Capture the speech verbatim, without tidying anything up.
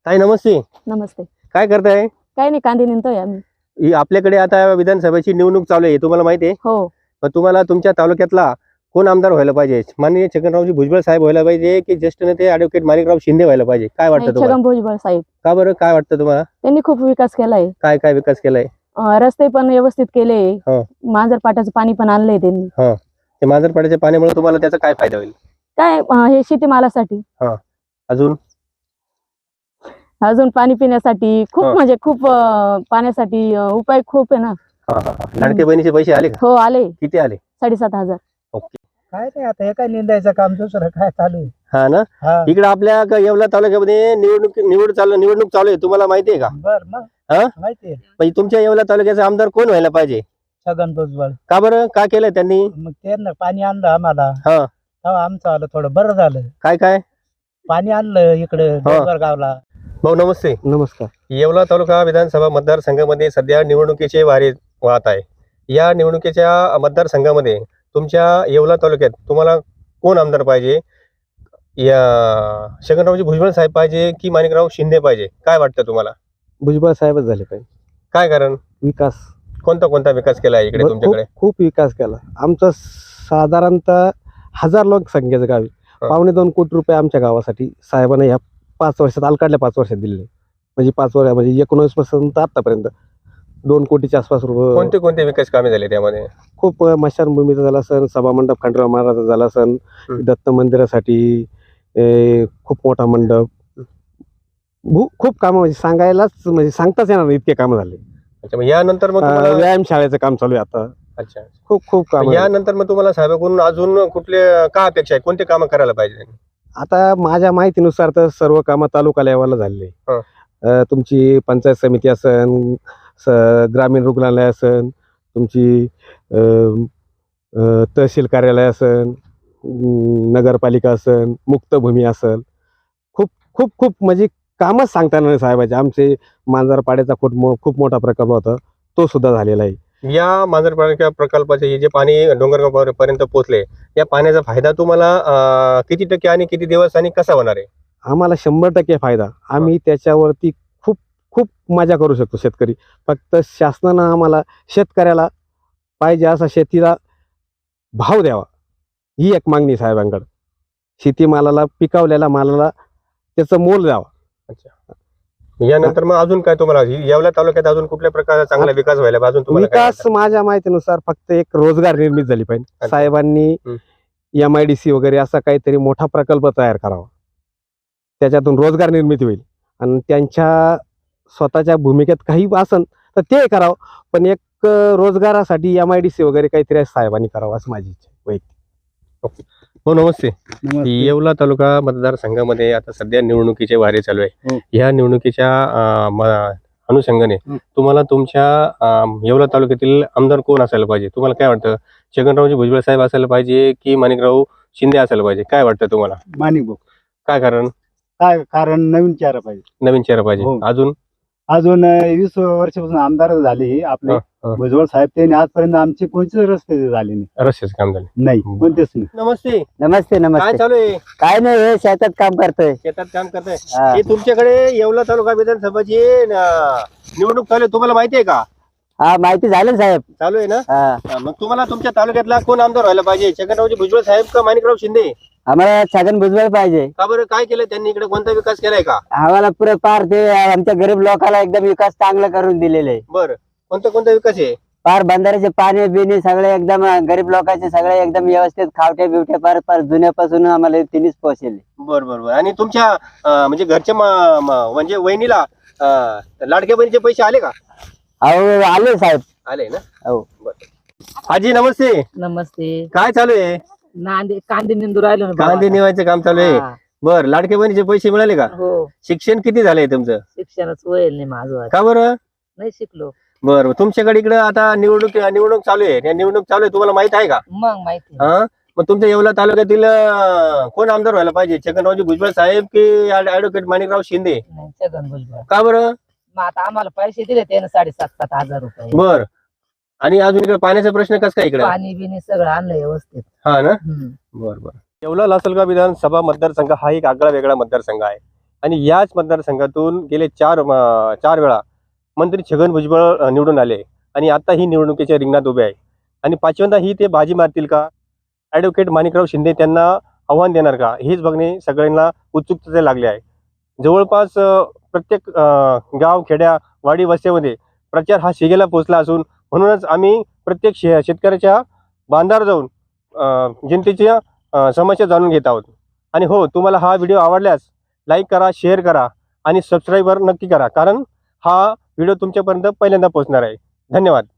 ताई नमस्ते. नमस्ते. काय करताय? काही नाही, कांदे निंदतोय आम्ही. ही आपल्याकडे आता विधानसभेची निवडणूक चालू आहे, तुम्हाला माहिती आहे? हो. मग तुम्हाला तुमच्या तालुक्यातला कोण आमदार व्हायला पाहिजे? माननीय छगनरावजी भुजबळ साहेब व्हायला पाहिजे की ज्येष्ठ नेते ॲडव्होकेट माणिकराव शिंदे व्हायला पाहिजे? काय वाटतं नाही, तुम्हाला? छगन भुजबळ साहेब. का बरं? काय वाटतं तुम्हाला? त्यांनी खूप विकास केलाय. काय काय विकास केलाय? अं, रस्ते पण व्यवस्थित केले. हो. मांजर पाटाचं पाणी पण आणलंय त्यांनी. हां. ते मांजरपाड्याच्या पाण्यामुळे तुम्हाला त्याचा काय फायदा होईल? काय अं, हे शेतीमालासाठी, हां. अजून? अजून पाणी पिण्यासाठी खूप हो. म्हणजे खूप अं, पाण्यासाठी अं, उपाय खूप आहे ना. हां हां हां. लाडके बहिणीचे पैसे आले का? हो, आले किती आले? साडेसात हजार. ओके. काय नाही, आता हे काय निंदायचं काम दुसरं काय चालू आहे? हां ना? हा. इकडे आपल्या क- येवला तालुक्यामध्ये निवडणूक निवड चालू निवडणूक चालू आहे, तुम्हाला माहिती आहे का? बर मग हां? माहिती आहे. म्हणजे तुमच्या येवला तालुक्याचा आमदार कोण व्हायला पाहिजे? छगन भुजबळ. का बरं? काय केलंय त्यांनी? मग त्यांना पाणी आणलं आम्हाला, हां. तेव्हा आमचं आलं थोडं बरं झालं. काय काय? पाणी आणलं इकडे डोंगर गावला. भाऊ नमस्ते. नमस्कार. येवला तालुका विधानसभा मतदारसंघामध्ये सध्या निवडणुकीचे वारे वाहत आहे. या निवडणुकीच्या मतदारसंघामध्ये तुमच्या येवला तालुक्यात तुम्हाला कोण आमदार पाहिजे? या छगनरावजी भुजबळ साहेब पाहिजे की माणिकराव शिंदे पाहिजे? काय वाटतं तुम्हाला? भुजबळ साहेबच झाले पाहिजे. काय कारण? विकास कोणता कोणता विकास केला आहे इकडे ब- तुमच्याकडे? खूप खूप विकास केला. आमचं साधारणतः हजार लोकसंख्येचं गाव आहे. हा. पावणे दोन कोटी रुपये आमच्या गावासाठी साहेबांना या पाच वर्षात अलकाडल्या पाच वर्षात दिले. म्हणजे पाच वर्ष म्हणजे एकोणवीस पासून आतापर्यंत दोन कोटीच्या आसपास रुपये. कोणते कोणते विकास कामे झाले त्यामध्ये? खूप अं, स्मशानभूमीचा झाला सण, सभामंडप खंडराव महाराजाचा झाला सण, हं. दत्त मंदिरासाठी ए, खूप मोठा मंडप, भू- खूप कामं म्हणजे सांगायलाच म्हणजे सांगताच येणार नाही इतके कामं झाले. अच्छा, मग यानंतर मग अं, तुम्हाला व्यायाम शाळेचं काम चालू आहे आता. अच्छा, खूप खूप काम यानंतर मग तुम्हाला साहेबांकडून अजून कुठले काय अपेक्षा आहे? कोणते कामं करायला पाहिजे? आता माझ्या माहितीनुसार तर सर्व कामं तालुका लेवलला झालेली हा. आहे. तुमची पंचायत समिती असन, स- ग्रामीण रुग्णालय असन, तुमची अ, अ, तहसील कार्यालय असन, अं, नगरपालिका असन, मुक्तभूमी असल, खूप खूप खूप म्हणजे कामच सांगता येणार नाही साहेबाचे. आमचे मांजरपाड्याचा खूप मो खूप मोठा प्रकल्प होता, तो सुद्धा झालेला आहे. या मांजरपाड्याच्या प्रकल्पाचे हे जे पाणी डोंगरगाव पर्यंत पोहोचले, या पाण्याचा फायदा तुम्हाला अं, किती टक्के आणि किती दिवस आणि कसा होणार आहे? आम्हाला शंभर टक्के फायदा. आम्ही त्याच्यावरती खूप खूप मजा करू शकतो शेतकरी. फक्त शासनानं आम्हाला शेतकऱ्याला पाहिजे असा शेतीला भाव द्यावा, ही एक मागणी साहेबांकडे. शेतीमालाला, पिकवलेल्या मालाला त्याचं मोल द्यावा. यानंतर मग अजून काय तुम्हाला येवला तालुक्यात अजून कुठल्या प्रकारचा चांगला विकास व्हायला पाहिजे? अजून तुम्हाला काय विकास वाटतं? माझ्या माहितीनुसार फक्त एक रोजगार निर्मित झाली पाहिजे. अच्छा. साहेबांनी हं. एम आय डी सी वगैरे असा काहीतरी मोठा प्रकल्प तयार करावा, त्याच्यातून रोजगार निर्मिती होईल. आणि त्यांच्या स्वतःच्या भूमिकेत काही असन तर ते करावं, पण एक अं, रोजगारासाठी एम आय डी सी वगैरे काहीतरी साहेबांनी करावं असं माझी इच्छा आहे वैयक्तिक. हो नमस्ते. येवला तालुका मतदारसंघामध्ये आता सध्या निवडणुकीचे वारे चालू आहे. हो. या निवडणुकीच्या अं, म- अनुषंगाने हं. तुम्हाला तुमच्या अं, येवला तालुक्यातील आमदार कोण असायला पाहिजे? तुम्हाला काय वाटतं? छगनरावजी भुजबळ साहेब असायला पाहिजे की माणिकराव शिंदे असायला पाहिजे? काय वाटतं तुम्हाला? माणिक भाऊ. काय कारण? काय कारण? नवीन चेहरा पाहिजे. नवीन चेहरा पाहिजे. हो. अजून? अजून अं, वीस वर्षापासून आमदार झाले आपले हा, हा. भुजबळ साहेब. त्यांनी आजपर्यंत आमचे कोणतेच रस्ते झाले नाही. रस्त्याचं काम झालं. नाही, बरं. कोणतेच नाही. नमस्ते. नमस्ते काय नमस्ते. चालू आहे? काय नाही, हे शेतात काम करतोय. शेतात काम करताय? हा. हे तुमच्याकडे येवला तालुका विधानसभाची अं, निवडणूक चालू आहे, तुम्हाला माहिती आहे का? हा, माहिती झालं साहेब. चालू आहे ना? हा, हा, मग तुम्हाला तुमच्या तालुक्यातला कोण आमदार व्हायला पाहिजे? छगनरावजी भुजबळ साहेब का माणिकराव शिंदे? आम्हाला छगन भुजबळ पाहिजे. का बरं? काय केलं त्यांनी इकडे? कोणता विकास केलाय का? आम्हाला पुरे पार ते आमच्या गरीब लोकांना एकदम विकास चांगला करून दिलेले आहे. बरं, कोणता कोणता विकास आहे? पार बंधाऱ्याचे पाणी बिणी सगळे एकदम गरीब लोकांचे सगळे एकदम व्यवस्थित खावटे बिवटे पार पार जुन्यापासून आम्हाला तिन्हीच पोहोचले. बर बर बर. आणि तुमच्या अं, म्हणजे घरच्या म- म- म्हणजे वहिनीला अं, लाडक्या बहिणीचे पैसे आले का? अहो, आले साहेब. आले ना? हो. बरं. आजी नमस्ते. नमस्ते. काय चालू आहे? नांदे कांदे निंदू राहिलो ना कांदे निवायचं काम चालू आहे. हा, बर, लाडक्या बहिणीचे पैसे मिळाले का? हो. शिक्षण किती झालंय तुमचं? शिक्षणच होईल नाही माझं. का बरं? नाही शिकलो. बर, तुमच्याकडे इकडे आता निवडणूक निवडणूक चालू आहे. या निवडणूक चालू आहे, तुम्हाला माहित आहे का? मग माहिती. हा, मग तुमच्या येवला तालुक्यातील अं, कोण आमदार व्हायला पाहिजे? छगनरावजी भुजबळ साहेब की ऍडव्होकेट माणिकराव शिंदे? नाही, छगन भुजबळ. का बरं? मग आता आम्हाला पैसे दिले त्यानं साडेसात सात हजार रुपये. बर. आणि अजून इकडे पाण्याचा प्रश्न कसा काय इकडे? पाणी बिनी सगळं आणलं व्यवस्थित. हा ना? हम्म. बर बर. येवला लासलगाव विधानसभा मतदारसंघ हा एक आगळा वेगळा मतदारसंघ आहे. आणि याच मतदारसंघातून गेले चार अं, चार वेळा मंत्री छगन भुजबळ अं, निवडून आले आणि आता ही निवडणुकीच्या रिंगणात उभे आहे. आणि पाचव्यांदा ही ते बाजी मारतील का? ॲडव्होकेट माणिकराव शिंदे त्यांना आव्हान देणार का? हेच बघणे सगळ्यांना उत्सुकतेचे लागले आहे. जवळपास अं, प्रत्येक अं, गाव, खेड्या, वाडी, वस्त्यामध्ये प्रचार हा शिगेला पोहोचला असून म्हणूनच आम्ही प्रत्येक शे शेतकऱ्याच्या बांधावर जाऊन अं, जनतेच्या अं, समस्या जाणून घेत आहोत. आणि हो, तुम्हाला हा व्हिडिओ आवडल्यास लाईक करा, शेअर करा आणि सबस्क्राईबर नक्की करा, कारण हा व्हिडिओ तुमच्यापर्यंत पहिल्यांदा पोहोचणार आहे. धन्यवाद.